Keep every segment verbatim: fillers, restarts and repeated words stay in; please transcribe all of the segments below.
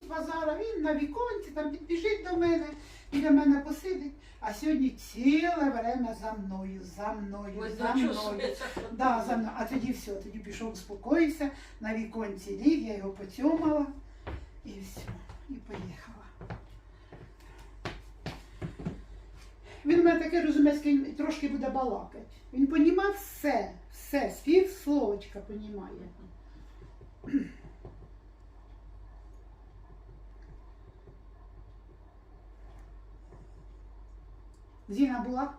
базара, він на віконці, там підбіжить до мене, біля мене посидить. А сьогодні ціле время за мною, за мною, Ой, за ну, мною. чувствується. Да, за мною. А тоді все, тоді пішов, успокоївся, на віконці ліг, я його поцьомала і все, і поїхала. Він у мене таке розумецький, трошки буде балакати. Він понімав все, все, з пів словочка понімає. Зіна була?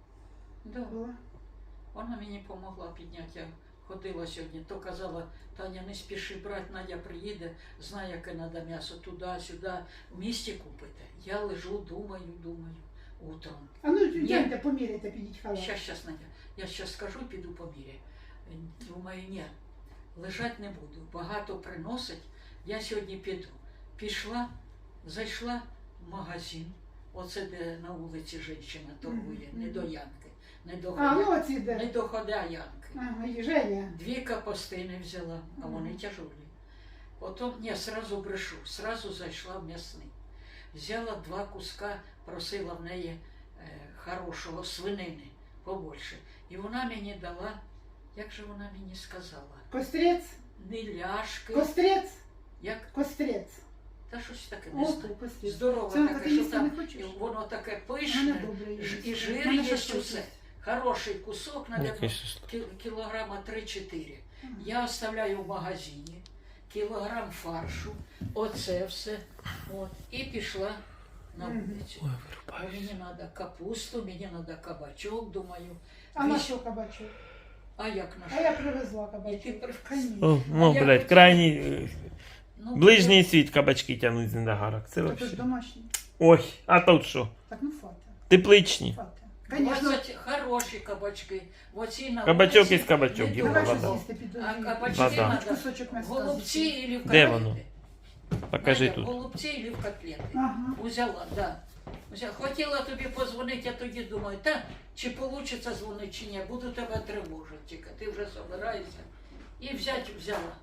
Да. Була. Вона мені допомогла підняти. Я ходила сьогодні, то казала, Таня, не спіши брати, Надя приїде, знає, яке треба м'ясо, туди-сюди, в місті купити. Я лежу, думаю, думаю, утром. А ну, йдемте, поміряйте, підіть халат. Щас, щас, Надя, я щас скажу, піду по мірі. Думаю, ні, лежать не буду, багато приносить, я сьогодні піду. Пішла, зайшла в магазин, оце де на вулиці жінка торгує, Мгм. не до Янки, не до А, ну Ходя, оці де. не до Ходя Янки. Ага, і Женя. Дві капустини взяла, а вони Мгм. тяжелі. Потім, ні, сразу брешу, сразу зайшла в м'ясний. Взяла два куска, просила в неї е, хорошого свинини побольше. І вона мені дала, як же вона мені сказала, Кострець? не ляшки, Кострець? як, Кострець. та щось таке, не О, знаю. кострець. Здорове Це таке, ти що їсти там, не хочеш? воно таке Мене пишне, добре ж- їсти. і жир Мене є, щось усе. хочеться. Хороший кусок, наверное, Який шашлик? кі- кілограма три-чотири. Ага. Я оставляю в магазині кілограм фаршу, оце все, от, і пішла на Мгм. вулицю. Ой, Бо вирубаюсь. мені треба капусту, мені треба кабачок, думаю. А на вісь- що кабачок? А як на А що? я привезла І кабачок. ти при- Конечно. О, ну, я блядь, хотіла- крайній, е, Ну, ближній світ кабачки тягнуть з недогарок. Це Це ж вообще. домашній. Ой, а тут що? Так, ну фата. Тепличні. Фата. Конечно. двадцять хороші кабачки. Оці на Кабачок вулиці із кабачок, не Діма, Давай дорого. щось вода. їсти під А кабачки Вода. надо Кусочок м'яса. голубці или в Де котлети. воно? Покажи Надя, тут. голубці или в котлети. Ага. Взяла, да. Взяла. Хотіла тобі позвонити, я тоді думаю, та чи вийде дзвонити, чи ні, буду тебе тривожити тільки. Ти вже збираєшся. І взять взяла.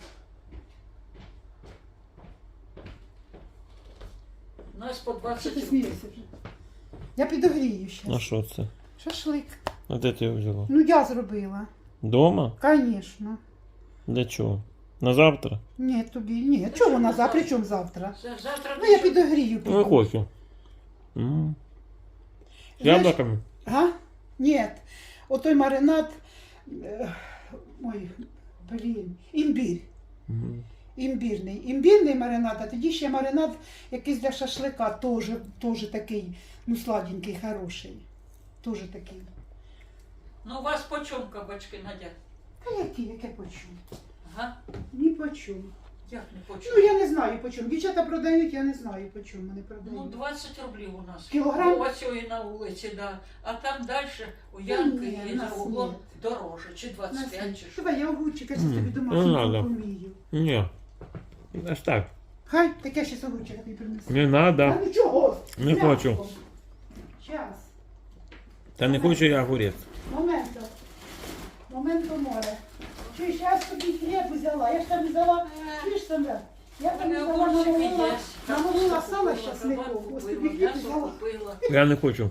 У нас по Що двадцять ти рублів. смієшся вже? Я підогрію А щас. що це? Шашлик. А де ти його взяла? Ну я зробила. Дома? Конечно. Для чого? На завтра? Ні, тобі, ні. Чого вона завтра? При чому завтра? Це Завтра Ну я дуже- підогрію. Ну, я хочу. М. З Знаєш- яблуками? Га? Ні. Отой маринад. е, Ой, блін. Імбір. М. Імбірний. Імбірний маринад, а тоді ще маринад якийсь для шашлика, теж, теж такий, ну сладенький, хороший. Теж такий. Ну у вас по чому кабачки, Надя? А які, яке почув? Ага? Ні почув. Як не по Ну чому? я не знаю по чому. Дівчата продають, я не знаю по чому вони Ну, продають. двадцять рублів у нас. Кілограм? Ось цієї на вулиці, да. А там далі у Та Янки ні, і у за нас углом ні. дороже, чи двадцять п'ять, чи що. Давай, я огурчика чи М, тобі не домашню надо. помію. Ні. Аж так. Хай, таке ще огурчика тобі принесу. Не надо. А ну чого? Не хочу. Час. Та не хочу я огурець. Моменто. Моменто море. Чуєш, я ж тобі хліб взяла. Я ж там взяла, чуєш там, брат? Я там Мене взяла, огурчики намолила, є. намолила Капусту сало купила, щасливо. кабак Ось купила, тобі хліб м'ясо взяла. купила. Я не хочу.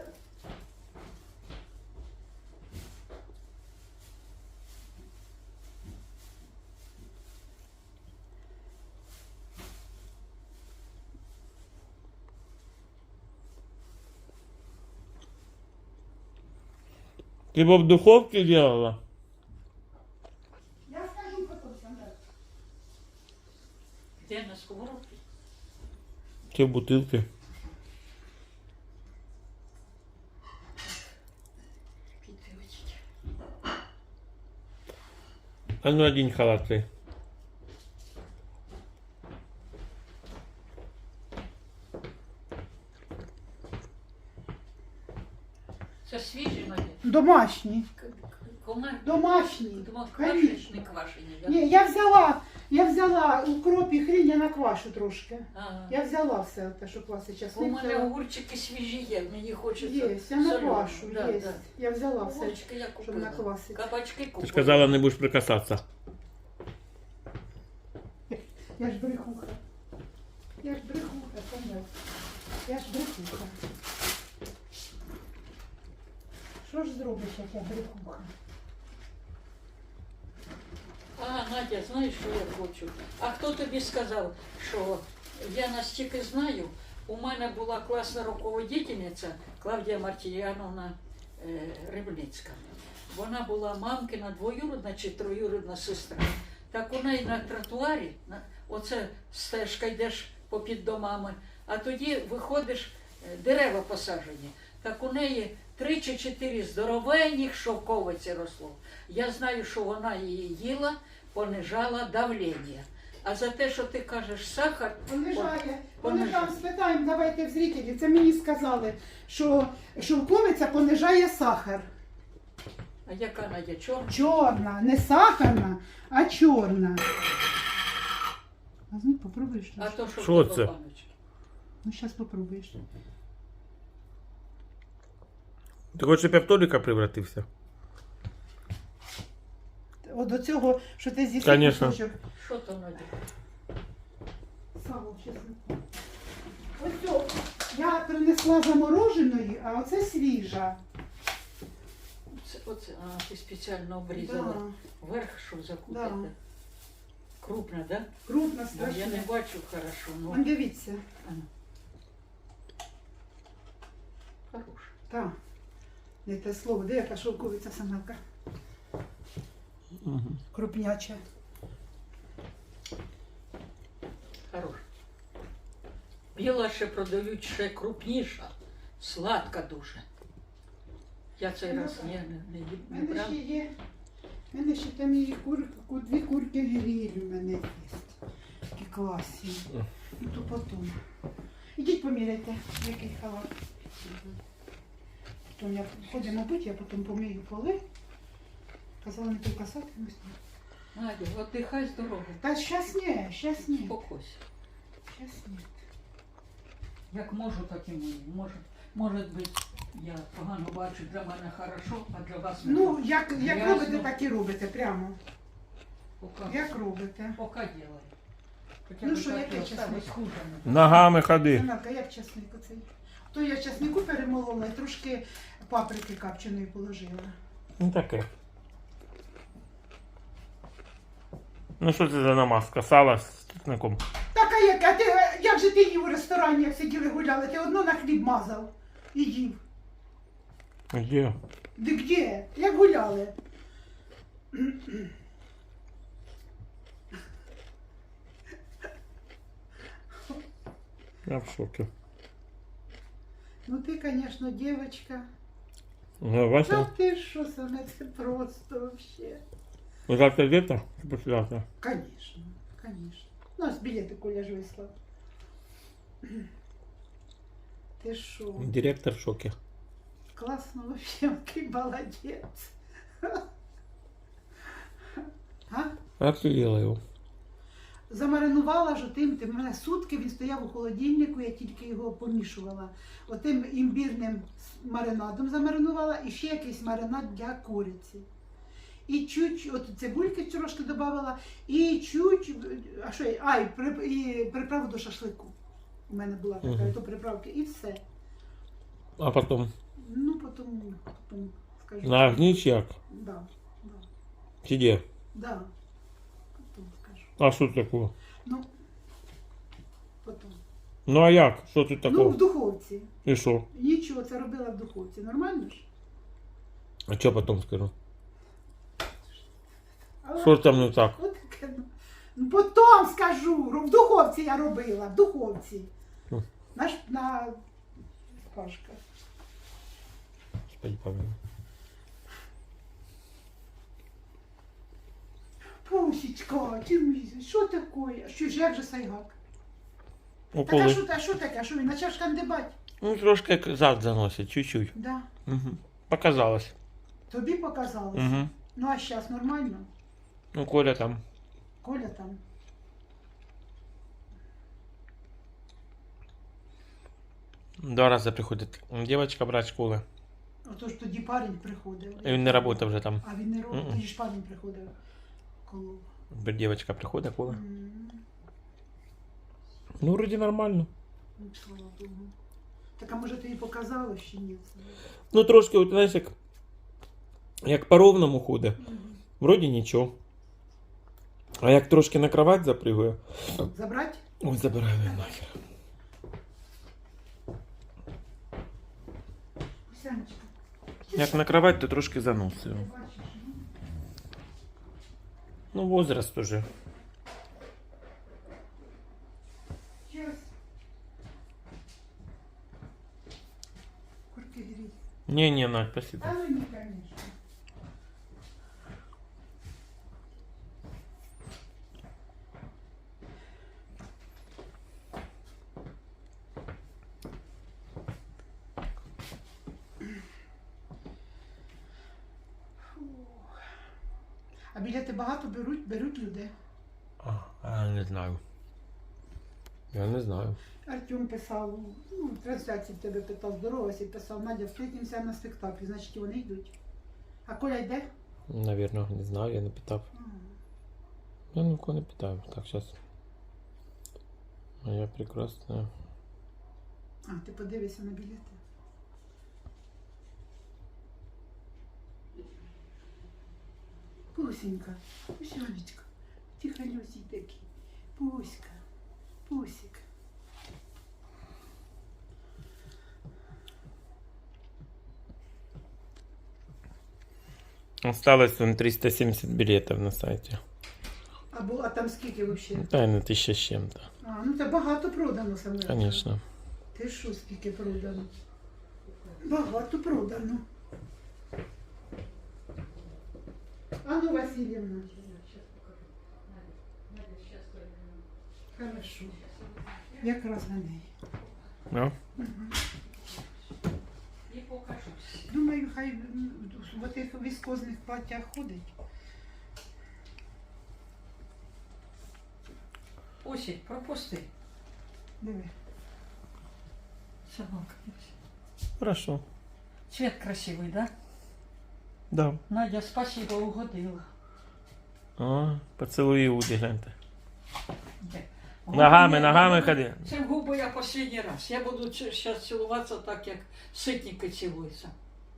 Ты бы в духовке делала? Я скажу потім, Сандра. Де на сковородці? Те в бутылке. Підводіть. А ну один халат ты. Це свіжі, Надя? Домашні. К- к- Комар... Домашні. Думав, Конечно. квашені, не квашені, да? Ні, я взяла, я взяла укроп і хрінь, я наквашу трошки. Ага. Я взяла все те, що класи У часник. мене взяла. огурчики свіжі є, мені хочеться. Є, я соленого. наквашу, Да, є. да. Я взяла все, Огурчики я щоб купила. наквасити. Кабачки купила. Ты сказала, не будешь прикасаться. Я ж брехуха. Я ж брехуха, Саня. Я ж брехуха. Що ж зробиш, як я брехуха? А, Надя, знаєш, що я хочу? А хто тобі сказав, що я настільки знаю, у мене була класна руководительниця Клавдія Мартіяновна е, Рибницька. Вона була мамкина двоюрідна чи троюрідна сестра. Так у неї на тротуарі, на, оце стежка йдеш попід домами, а тоді виходиш, е, дерева посаджені. Так у неї три чи чотири здоровенних шовковиці росло. Я знаю, що вона її їла, понижала давлення. А за те, що ти кажеш сахар, Понижає. понижає. Понижав, спитаємо, давайте в зрителі. Це мені сказали, що шовковиця понижає сахар. а яка Надя, чорна? Чорна, не сахарна, а чорна. А ну, попробуєш? А то що, Що в тебе це? баночки? Ну, зараз попробуєш. Ти хочеш, щоб я в Толіка превратився? От до цього, що ти з'їси Конечно. кусочок. Що то Надя? Сало, чесно. Ось цю я принесла замороженої, а оце свіжа. Оце, оце, а, ти спеціально обрізала. Да, Верх, щоб закутати. Да. Крупно, да? крупна, Ну, я не страшна. бачу хорошо, ну, Вон, дивіться. ано. Хорош. Так. Не те слово, де яка шовковиця самелка? Угу. Крупняча. Хорош. Біла ще продають ще крупніша, сладка дуже. Я цей Ну, раз так. не, не, не, У не мене брав. ще є. У мене ще там є кур, ку- дві курки гриль у мене є. Такі класні. Ну то потім. Ідіть поміряйте, який халат. Потім я ходимо мабуть, я потім помию поли. Казала не тільки касатимусь. Надя, отдихай здорово. Та щас ні, щас ні. Спокойся. Щас ні. Як можу, так і можу. Може, може бути, я погано бачу, для мене хорошо, а для вас не Ну, хорошо. як, як Ясно. робите, так і робите, прямо. Поки, Як робите. поки ділай. Хоча Ну б що, так яке і осталось чесник? хуже не Ногами ходи. Самелка, як часник оцей? То я часнику перемолола і трошки паприки копченої положила. Ну таке. Ну що це за намазка? Сало з чесником. Так, а як, а ти, як же ти їв у ресторані, як сиділи гуляли? Ти одно на хліб мазав і їв. Де? Де де? Як гуляли? Я в шокі. Ну ти, звісно, дівчинка. Ну, Та Вася, ти що саме, це просто вообще. ви завтра йдете? Чи послезавтра? Конечно, конечно. У нас білети Коля ж вислав. Ти що? Директор в шокі. Класно вообще, який молодець. А? Як ти їла його? Замаринувала ж тим, тим, у мене сутки він стояв у холодильнику, я тільки його помішувала. Отим імбірним с- маринадом замаринувала і ще якийсь маринад для куриці. І чуть, от цибульки трошки додавала, і чуть, а що, я- а, і, при, і приправу до шашлику. У мене була така, Мгм. то приправки, і все. А потім Ну, потім, потім скажу. на огні чи як? Да, да, Чи де? да. Потім скажу. А що такого? Ну, потім. Ну а як? Що тут Ну, такого? в духовці. І що? Нічого, це робила в духовці. Нормально ж? А що потім скажу? Але Що там не так? от таке, ну. Ну, потім скажу. В духовці я робила, в духовці. Хм. На, ш- на шпажках. Господи, помилуй. Пусічка, ти мій, що таке? Що ж, як же сайгак? Так, а Уколи. що, а що таке? А що він почав шкандибати? Ну, трошки як зад заносить, чуть-чуть. Да. Угу. Показалось. Тобі показалось? Угу. Ну, а зараз нормально? Ну, Коля там. Коля там. Два рази приходить дівчинка брати школи. Отож тоді парень приходив. І він не працює вже там. А він не робить, Мгм. тоді ж парень приходив. Коло. Дівчинка приходить, Коля. М. Ну, вроді нормально. Ну, слава Богу. Так, а може тобі показало, що ні? Ну, трошки, от, знаєш, як, як по ровному ходить. Мгм. Вроді нічого. А як трошки на кровать запригує, Забрать? ой, забираю її нахер. Сянечка. Як на кровать, то трошки заносив. Ти бачиш, ну? Ну, возраст уже. Щас. Курки гріть. Не-не, Надь, спасибо. А ну ні, конечно. Фух. А білети багато беруть, беруть люди. А, я не знаю. Я не знаю. Артем писав, ну, в трансляції в тебе питав, здоровався і писав, Надя, встретимося на спектаклі, значить вони йдуть. А Коля йде? Наверно, не знаю, я не питав. Я нікого не питаю. Так, зараз. Моя прекрасна. А, ти подивишся на білети. Пусенька, пусянечка, тихонюсій такий. Пуська, пусик. Осталось вон триста семьдесят билетов на сайте. А, бу- а там скільки взагалі? Да, на тысяча с чем-то. А, ну це багато продано саме. Конечно. Ти що, скільки продано? Багато продано. Ану, Васильівна. Хорошо. Якраз на неї. Ну? І покажусь. Думаю, хай м, в тих віскозних платтях ходить. Осінь, пропусти. Диви. Собака. Хорошо. Цвет красивий, да? Да. Надя, спасибо, угодила. А, поцілуй Іуди, гляньте. Де? Ногами, Губи- ногами губи- ходи. Це в губи я останній раз. Я буду зараз цілуватися так, як ситники цілуються.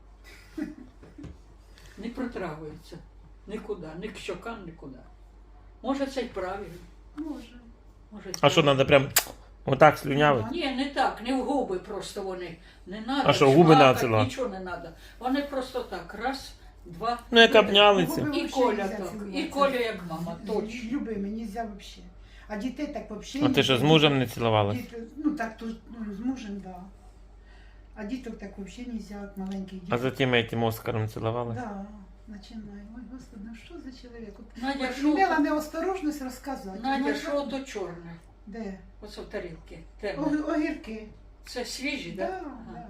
Не протравуються. Нікуди, ні к щокам, нікуди. Може, це й правильно. Може. Може, А що, треба прям отак слюнявити? Ні, не так, не в губи просто вони. Не надо. А що, губи шмакать, надо цілувати? Нічого не треба. Вони просто так, раз, два. Ну, як обнялися. Губи І вообще Коля нельзя так, цілувати. і Коля як мама, точно. Любими, нельзя вообще. А дітей так вообще. А ти що, з мужем не цілувалась? Діти, ну так, то, ну, з мужем, да. А діток так вообще нельзя, як маленьких А дітей. за тим этим Оскаром цілувалась? Да, починай. Ой, Господи, ну що за чоловік? От, Надя, от що імела то- неосторожність розказати. Надя, Ну, що то чорне? Де? Оце в тарілки. Темне. О- Огірки. Це свіжі, Да, так? да.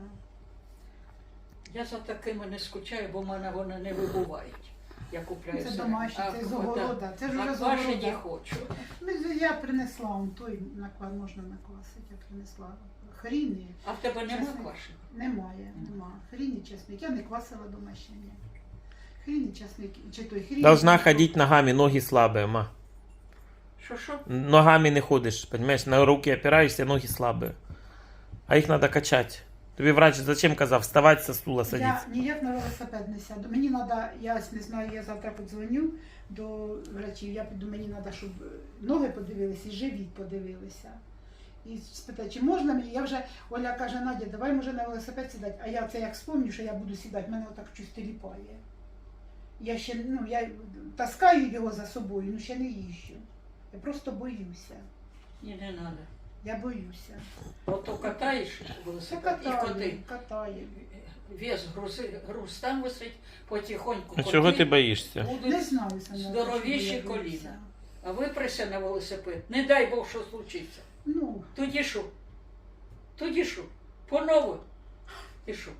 Я за такими не скучаю, бо в мене вони не вибувають. Я купляю Це собі. домашні, А, це з да. огорода. Це ж А вже з квашені огорода. хочу. Ну, я принесла, он той наква можна наквасити, я принесла. Хріни. А в тебе нема Чесник. квашені? Немає, нема. Хріни, чесник. Я не квасила дома ще ні. Хріни, чесник. Чи той хрін. Должна ходить ногами, ноги слабые, ма. Що-що? Ногами не ходишь, понимаешь? На руки опираешься, ноги слабые. А их надо качать. Тобі врач зачем казав? Вставать со стула, Я садиться. ніяк на велосипед не сяду. Мені треба, я не знаю, я завтра подзвоню до врачів. Я піду, мені треба, щоб ноги подивилися і живіт подивилися. І спитати, чи можна мені? Я вже, Оля каже, Надя, давай може на велосипед сідати. А я це як спомню, що я буду сідати, мене отак щось тіліпає. Я ще, ну, я таскаю його за собою, ну ще не їжджу. Я просто боюся. Ні, не треба. Я боюся. Ото катаєш Це велосипед і катаю, коти. катаю. Вес грузи, груз там висить, потихоньку А коти чого ти боїшся? Не будуть, знаю, Саня, здоровіші що я боюся. коліна. а виприся на велосипед. Не дай Бог, що случиться. Ну, Тоді що? Тоді що? По-нову. Ти що?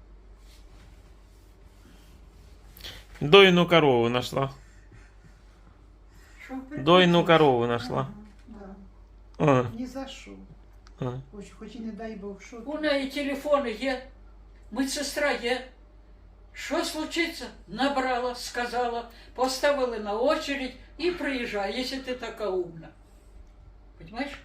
Дойну корову нашла. Що? Дойну корову нашла. ага, да. А, Ні за що. а. Хоч, хоч і не дай Бог, що У ти. неї телефони є, медсестра є. Що случиться? Набрала, сказала, поставили на очередь і приїжджай, якщо ти така умна. Понимаєш?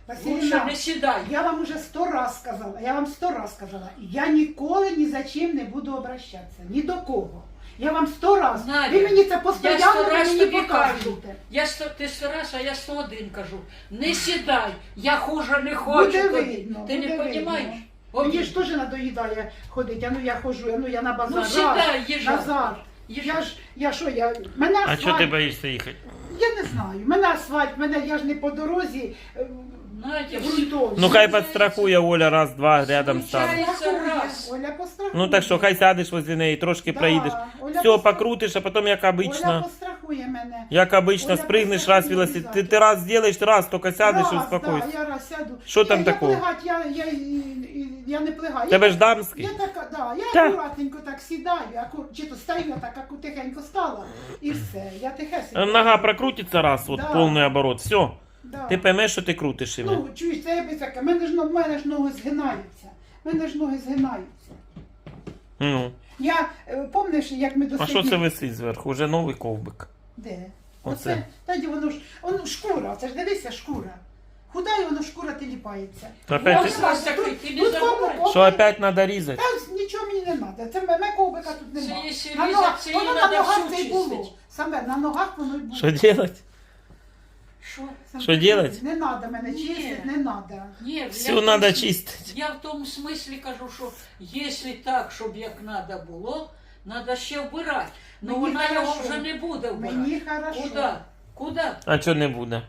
Лучше Василіна, не сідай. я вам уже сто раз сказала, я вам сто раз сказала, я ніколи ні за чим не буду обращатися, ні до кого. Я вам сто раз. Надя, Ви мені це Я постійно сто раз мені тобі кажу. показуєте. Я сто, ти сто раз, а я сто один кажу. Не сідай, я хуже не хочу. Буде тобі. видно, Ти буде не видно. розумієш? Мені ж теж надоїдає ходити, а ну я ходжу, а ну я на базар. Ну сідай, Раз, їжджай. Назар. Їжджай. Я ж, я що, я, мене А асфальт, чого ти боїшся їхати? я не знаю, мене асфальт, мене, я ж не по дорозі е, Надя, ґрунтовій. Ну хай підстрахує Оля раз-два рядом стане. Случайно. раз. Оля пострахує. Ну так що, хай сядеш возле неї, трошки Да, проїдеш. Оля Все, пострахує. покрутиш, а потім, як Оля обично, пострахує мене. як обично, Оля спригнеш пострахує раз велосипед. Ти, обов'язково. ти раз зробиш, раз, тільки сядеш і Раз, успокойся. Да, я раз сяду. Що там я, такого? Я плигать, я, я, я, я не плигаю. Тебе я, ж дамський. Я така, да, я Та. акуратненько так сідаю, акур... чи то стою, я так аку тихенько стала, і все, я тихесенько. Нога прокрутиться раз, от Да. повний оборот, все. Да. Ти поймеш, що ти крутиш її. Ну, чуєш, це я таке, мене ж, в мене ж ноги згинаються, мене ж ноги згинаються. Ну. Я, е, помниш, як ми А досиділи? що це висить зверху? Уже новий ковбик. Де? Оце. Оце. Тоді воно ж, воно шкура, це ж дивися, шкура. Худа і воно шкура тіліпається. То опять, Ось вас такий, ти не Тут забувай. кому- що опять треба різати? Та нічого мені не треба. Це мене ковбика тут Це немає. якщо На різати, ногах, це воно її на треба ногах всю це й було. чистити. Саме на ногах воно й було. Що робити? Що? Саме, що делать? Не треба мене Ні. чистити, не треба. Ні, Все я в треба тому- чистити. Я в тому смислі кажу, що якщо так, щоб як треба було, треба ще вбирати. Ну Мені вона його хорошо. вже не буде вбирати. Мені хорошо. Куди? Куди? А чого не буде?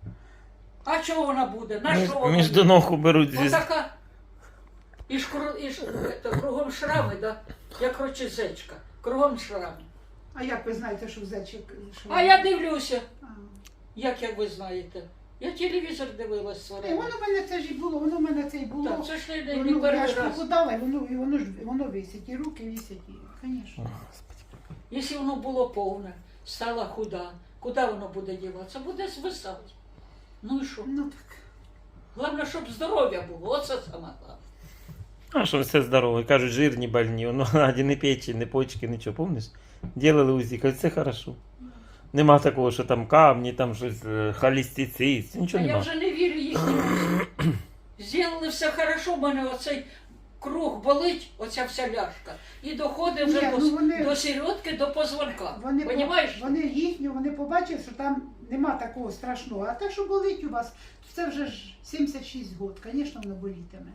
А чого вона буде? На Між, що вона між буде? ног уберуть звізду. Отака. І ж, кру- і ж это, кругом шрами, да? як рочезечка. Кругом шрами. А як ви знаєте, що зечик? Що... А я дивлюся, А. як, як ви знаєте. Я телевізор дивилась Е, своє. Воно в мене це ж і було, воно в мене це і було. Так, це ж не, не, не Воно, я перший ж раз. похудала, і воно, і воно ж воно висить, і руки висять, і, звісно. Якщо воно було повне, стала худа, куди воно буде діватися? Буде звисати. Ну і що? Ну так. Головне, щоб здоров'я було, оце саме головне. А що все здорове? Кажуть, жирні больні. Ну, Наді не печень, не почки, нічого, помниш? Ділили УЗІ, кажуть, все хорошо. Нема такого, що там камні, там щось е, холестицид, А нічого я нема. вже не вірю їхнім. Зробили все хорошо, в мене оцей круг болить, оця вся ляшка. І доходить вже Ні, до, ну вони- до середки, до позвонка. Вони, по- Понімаєш? вони їхню, вони побачили, що там нема такого страшного. А те, що болить у вас, то це вже ж сімдесят шість років, звісно, воно болітиме.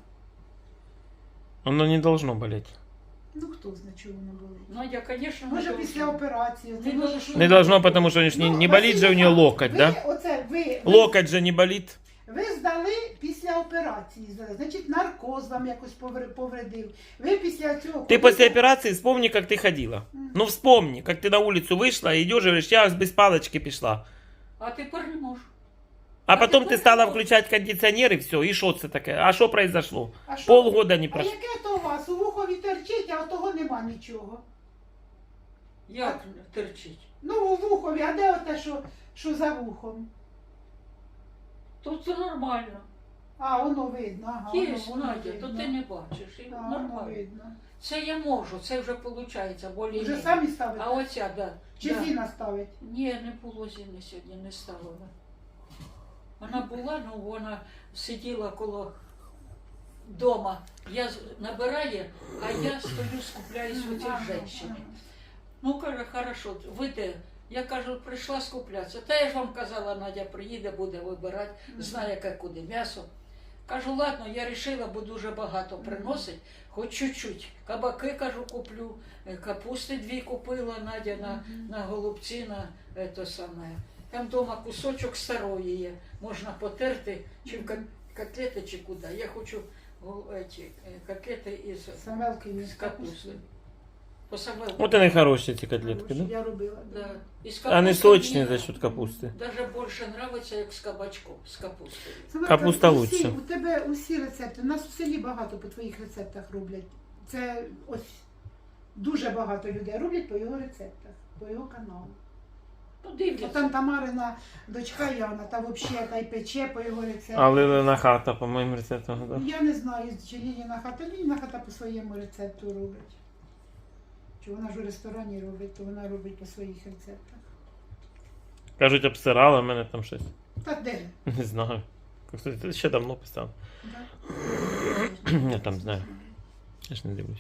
Воно не должно боліти. Ну хто знає, чого воно болить. Надя, звісно, Може не після должна. операції. Це Не може, должно. що- Не должно, тому що ж не, Ну, не болить же у нього Василіна, локоть, ви, да? Оце, ви, ви, Локоть же не болить. ви здали після операції, здали. Значить, наркоз вам якось повр- повредив. Ви після цього... Ты после операции вспомни, как ты ходила. Ну вспомни, как ты на улицу вышла, идешь и говоришь, я без палочки пришла. А тепер не можу. А А потом ты ты стала поняла? включать кондиционер и все, и что это такое? А что произошло? А що? Полгода не А прошло. яке то у вас? У вухові терчить, а того нема нічого. Як терчить? Ну, у вухові, а де оте, що, що за вухом? Тут це нормально. А, воно видно. Ага, Є, воно, воно Надя, видно. то ти не бачиш. І А, воно нормально. видно. Це я можу, це вже виходить, болі. Вже самі ставите? А оця, да. Чи да. Зіна ставить? Ні, не було Зіни сьогодні, не ставила. Вона була, ну вона сиділа коло дома. Я з- набираю, а я стою, скупляюсь у цій Ага, жінці. ага. Ну, каже, хорошо, ви де? Я кажу, прийшла скуплятися. Та я ж вам казала, Надя приїде, буде вибирати, знає, яке куди м'ясо. Кажу, ладно, я вирішила, бо дуже багато приносить, хоч чуть-чуть. Кабаки, кажу, куплю, е, капусти дві купила, Надя на, на голубці, на е, то саме. Там вдома кусочок старої є, можна потерти, чи в ка- котлети, чи куди. Я хочу гол- еті, е, котлети із, Самелки з капусти. По самому. Вот они хорошие, эти котлетки, да? Я робила. Да. Із Они капусти сочные мені за счет капусты. Даже більше подобається, як з кабачком, з капустою. Самелка, Капуста усі- лучше. У тебе усі рецепти. У нас у селі багато по твоїх рецептах роблять. Це ось дуже багато людей роблять по його рецептах, по його каналу. А Подивляться. там Тамарина дочка Яна, та взагалі та й пече по його рецепту. А Лилина хата, по моим рецептам, да? Я не знаю, чи Лініна хата. Лініна хата по своєму рецепту робить. Чи вона ж у ресторані робить, то вона робить по своїх рецептах. Кажуть, обсирала мене там щось. Та де? Не знаю. Кстати, це ще давно писав. Да? Я там знаю. Я ж не дивлюсь.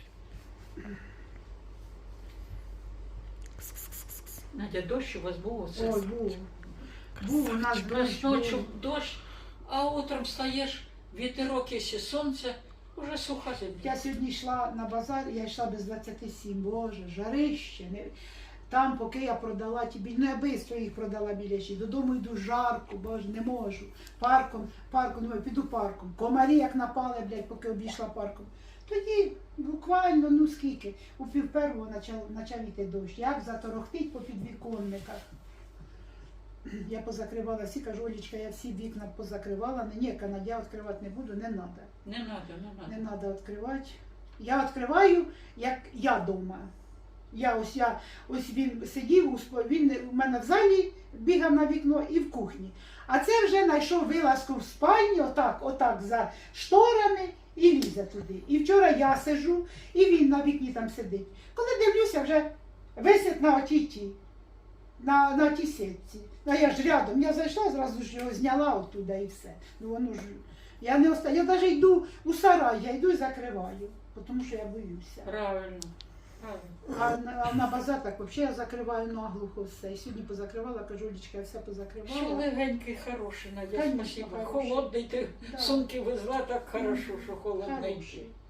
Надя, дощ у вас був оце? Ой, був. Був у нас У нас дощ. ночі був. дощ, а утром встаєш, вітерок, якщо сонце, уже суха земля. Я сьогодні йшла на базар, я йшла без двадцяти сім, боже, жарище. Не... Там, поки я продала ті білі, ну я швидко їх продала білячі, додому йду жарко, боже, не можу. Парком, парком, думаю, піду парком. Комарі як напали, блядь, поки обійшла парком. Тоді буквально, ну скільки, у пів первого почав, почав йти дощ. Як заторохтить по підвіконниках. Я позакривала всі, кажу, Олічка, я всі вікна позакривала. Ні, канадя відкривати не буду, не треба. Не треба, не Не треба. треба відкривати. Я відкриваю, як я вдома. Я ось я ось він сидів, у спо- він у мене в залі бігав на вікно і в кухні. А це вже знайшов вилазку в спальні, отак, отак за шторами і лізе туди. І вчора я сижу, і він на вікні там сидить. Коли дивлюся, вже висить на отій ті, на, на тій сітці. Ну я ж рядом, я зайшла, зразу ж його зняла оттуда і все. Ну воно ж. Я не оста... я навіть йду у сарай, я йду і закриваю, тому що я боюся. Правильно. Правильно. А на, а на базар так взагалі я закриваю наглухо все. І сьогодні позакривала, кажу, Олічка, я все Що позакривала. легенький, хороший, Надя, Конечно, спасибо. хороший. Холодний, ти Да. сумки везла, так хорошо, що холодненький. Хороший.